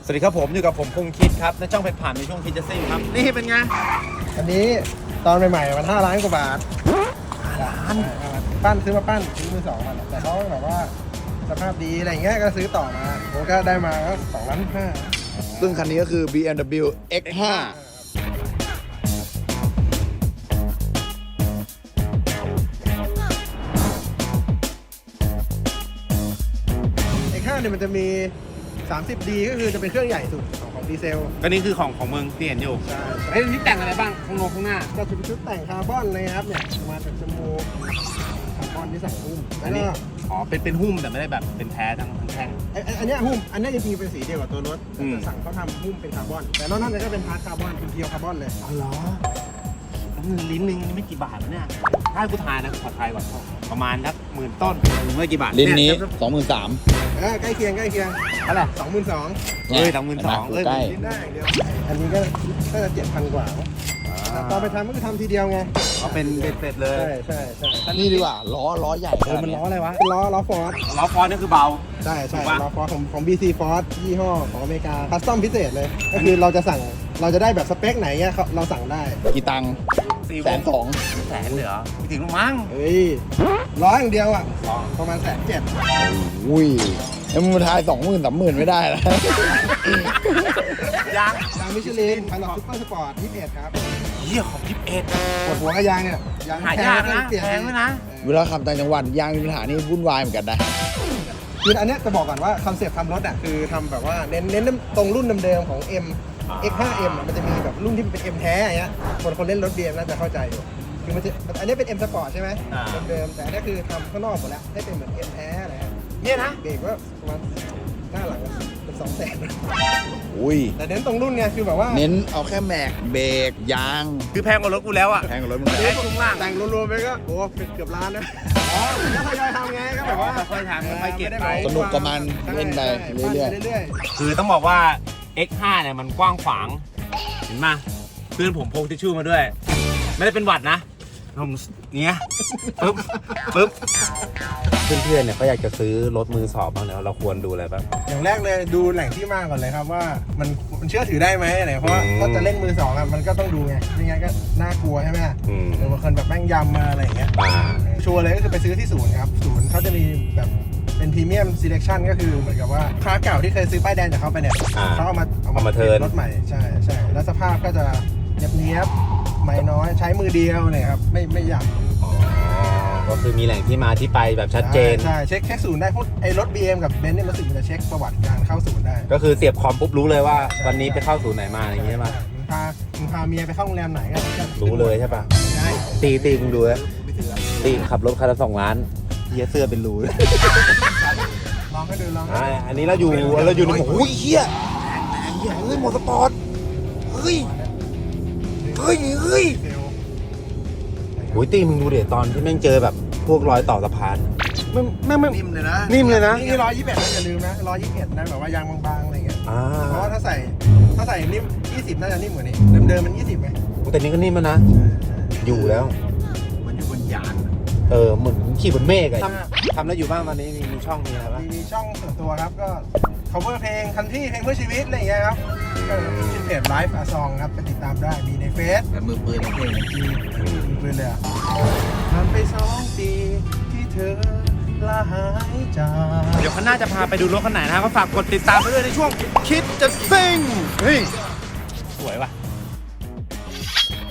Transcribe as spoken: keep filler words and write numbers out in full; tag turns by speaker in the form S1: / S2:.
S1: สวัสดีครับผมอยู่กับผมคงคิดครับในช่องเพชรผ่านในช่วงคิดจะซิ่งครับนี่เป็นไง
S2: อันนี้ตอนใหม่ๆมันห้าล้านกว่าบาทห้าล้านปั้นซื้อมาปั้นซื้อมือสองมันแต่เขาแบบว่าสภาพดีอะไรเงี้ยก็ซื้อต่อมาผมก็ได้มาก็สองล้านห้า
S3: ซึ่งคันนี้ก็คือ บี เอ็ม ดับเบิลยู เอ็กซ์ ไฟว์
S2: เอ็กซ์ห้าเนี่ยมันจะมี สามสิบดี ก็คือจะเป็นเครื่องใหญ่สุดของของดีเซล
S1: ก็นี่คือของของมึงที่เห็นอยู่
S2: ใช่
S1: ไอ้นี่แต่งอะไรบ้างข้างนอกข้างหน้า
S2: ก็จะเป็นชุดแต่งคาร์บอนเลยครับเนี่ยมาจากจมูกคาร์บอนที่ใส่หุ้ม
S1: อั
S2: แล้ว
S1: นนี้
S2: ก็
S1: อ๋อเป็นเป็นหุ้มแต่ไม่ได้แบบเป็นแท้ทั้งทั้งแท่ง
S2: ไอ้ไอ้อันเนี้ยหุ้มอันเนี้ยจริงๆเป็นสีเดียวกับตัวรถ
S1: อืม
S2: แต่สั่งเขาทำหุ้มเป็นคาร์บอนแต่นอกนั้นเนี่ยก็เป็นพาร์ทคาร์บอนเป็นเพียวคาร์บอนเลย
S1: อ๋อเหรอลิ้นหนึงนี่ไม่กี่บาทนะเนี่ยถ้าให้กูทายนะขอทายก่อนประมาณสักหมื่นต้นไม่กี่บาท
S3: ลิ้นนี้
S1: เย
S3: สองหมื่นสาม
S2: เออใกล้เคียงใกล้เคียง
S1: เท่าไหร่
S2: สองหมื่นสอง
S1: เอ้ยสองหมื่นสองเอ้ย
S3: ใกล้
S2: ลิ้นได้อย่างเดียวอันนี้ก็ก็จะเจ็ดพันกว่าแต่ตอนไปทำก็คือทำทีเดียวไง
S1: เขาเป็นเบ็ดเสร็จเลย
S2: ใช่ใช่ใช่
S3: นี่ดีกว่า ล้อ ล้อใหญ่
S1: เออมันล้ออะไรวะ
S2: เป็นล้อล้อฟอร์ด
S1: ล้อฟอนนี่คือเบา
S2: ใช่ใช่
S1: ถูกปะ
S2: ล้อฟอร์ดของของ บี ซี Ford ยี่ห้อของอเมริกาคัสตอมพิเศษเลย ก็คือเราจะสั่งเราจะได้แบบสเปคไหนเนี่ยเขาเราสั่งได้
S3: กี่ตังค์
S1: สี่
S3: แสนสอง
S1: แสนเหลือไม่ถึงหรอกมั้ง
S2: เฮ้ยล้ออย่างเดียวอ่ะ
S1: สอง
S2: ประมาณแสนเจ็ด
S3: อุ้ยแล้วมึงทายสองหมื่นสามหมื่นไม่ได้แล้ว
S1: ยาง
S2: ยางมิชลินพันหลอดซุปเปอร์สปอร์ตยี่สิบเอ็ดครับ
S1: เยี่ยของยิบเอ็ด
S2: ปวดหัวกับยางเนี่ยยาง
S1: หายากนะ
S2: เปลี่ยน
S1: แพงด้วยนะ
S3: เวลาขับต่างจังหวัดยางมีปัญหานี่วุ่นวายเหมือนกันนะ
S2: คืออันเนี้ยจะบอกก่อนว่าคอนเซ็ปต์ทำรถอ่ะคือทำแบบว่าเน้นเน้นตรงรุ่นเดิมๆของ M เอ็กซ์ ห้า เอ็ม อะมันจะมีแบบรุ่นที่เป็น M แท้อย่างเงี้ยคนคนเล่นรถ บี เอ็ม น่าจะเข้าใจอยู่คือมันจะอันนี้เป็น M Sport ใช่ไหม
S1: อ่า
S2: เดิมๆแต่อันนี้คือทำข้างนอกหมดแล้วให้เป็นเหมือน M แท้อะไรฮะ
S1: เนี่ยนะ
S2: เบรกก็ประมาณหน้าหลังเป็นสองแสน
S3: อุ้ย
S2: แต่เน้นตรงรุ่นไงคือแบบว่า
S3: เน้นเอาแค่แม็กเบรกยาง
S1: คือแพงกว่ารถกูแล้วอ่ะ
S3: แพงกว่ารถมึง
S1: แต่
S3: นะ
S1: ให้ช่วงล่าง
S2: แต่งรวมๆไปก็โอ้เกือบล้านนะอ๋อแล้วทยอยทำไงก็แบบว่า
S1: ค่อยๆทำค่อยๆเก็บไป
S3: สนุกกับมันเล่นไปเรื่อย
S2: ๆเรื่อย
S1: คือต้องบอกว่า เอ็กซ์ ห้า เนี่ยมันกว้างขวาง เห็นไหมเพื่อนผมพกทิชชู่มาด้วย ไม่ได้เป็นหวัดนะผมเนี้ยปึ๊บปึ๊บเพื่อนๆเนี่ยเขาอยากจะซื้อรถมือสอบบ้างแล้วเราควรดูอะไรบ้าง
S2: ๆอย่างแรกเลยดูแหล่งที่มาก่อนเลยครับว่ามันมันเชื่อถือได้ไหมอะไรเพราะว่า
S1: อืม
S2: ถ้าจะเล่นมือสองอะมันก็ต้องดูไงไม่งั้นก็น่ากลัวใช่ไหม
S1: อืม
S2: หรือบางคนแบบแม่งยำมาอะไรอย่างเงี้ย
S1: อ่า
S2: ชัวร์เลยก็คือไปซื้อที่ศูนย์ครับ ศูนย์เขาจะมีแบบเป็นพรีเมียมซีเลคชั่นก็คือเหมือนกับว่าค้าเก่าที่เคยซื้อป้ายแดงจากเขาไปเนี่ย
S1: อ่า
S2: เขาเอามา
S1: เอามาเทิร์น
S2: รถใหม่ใช่ใช่แล้วสภาพก็จะเนียบเนียบๆไม่น้อยใช้มือเดียวเนี่ยครับไม่ไม่หยับ
S1: อ๋อก็คือมีแหล่งที่มาที่ไปแบบชัดเจน
S2: ใช่ใช่เช็คแค่ศูนย์ได้พวกไอ้รถ บี เอ็ม กับเบนซ์เนี่ยรู้สึกมันจะเช็คประวัติการเข้าศูนย์ได้
S1: ก็คือเสียบคอมปุ๊บรู้เลยว่าวันนี้ไปเข้าศูนย์ไหนมาอะไรอย่างเงี้ยใช่ปะ
S2: มึงพามึงพาเมียไปเข้าโรงแรมไหนก็
S1: รู้เลยใช่ปะ
S2: ใช่
S1: ตีตีมึงดูนะตีขับรถคันละสองล้านเฮียเสื้อเป็นรูเลย
S2: ลองให้ดูลองให้
S1: อ่า
S2: ดู
S1: อันนี้เราอยู่เราอยู่ในหมู่อุ้ยเฮียเฮียเฮ้ยมอเตอร์สปอร์ตเฮ้ยเฮ้ยเฮ้ย
S2: เซลล์
S1: โอ้ยตีมึงดูเดี๋ยวตอนที่แม่งเจอแบบพวกรอยต่อสะพานไม่ไม่ไม่
S2: นิ่มเลยนะ
S1: นิ่มเลยนะ
S2: นี่ร้อยยี่สิบเอ็ดนะอย่าลืมนะร้อยยี่สิบเอ็ดนะแบบว่ายางบางๆอะไรเงี้ย
S1: อ่า
S2: เพราะว่าถ้าใส่ถ้าใส่นิ่มยี่สิบน่าจะนิ่มกว่านี้เดิมๆมันยี่สิบไหม
S1: แต่นี้ก็นิ่มแล้วนะ อยู่แล้ว
S2: มันอยู่บนยาน
S1: เออเหมือนขี่บนเมฆอะทำทำแล้วอยู่บ้างตอนนี้มีมีช่องมีอะไรบ้าง
S2: มีช่องส่วนตัวครับก็ cover เพลงคันที่เพลงเพื่อชีวิตอะไรอย่างเงี้ยครับก็ชื่อเพจ Live A Song ครับไปติดตามได้มีในเฟซ
S3: แต่มือปืนเอง
S2: มีปืนเลยอ่ะผ่านไปสองปีที่เธอลาหายจาก
S1: เดี๋ยวข้างหน้าจะพาไปดูรถคันไหนนะครับก็ฝากกดติดตามไปด้วยในช่วงคิดจะซิ่งเฮ้ยสวยว่ะ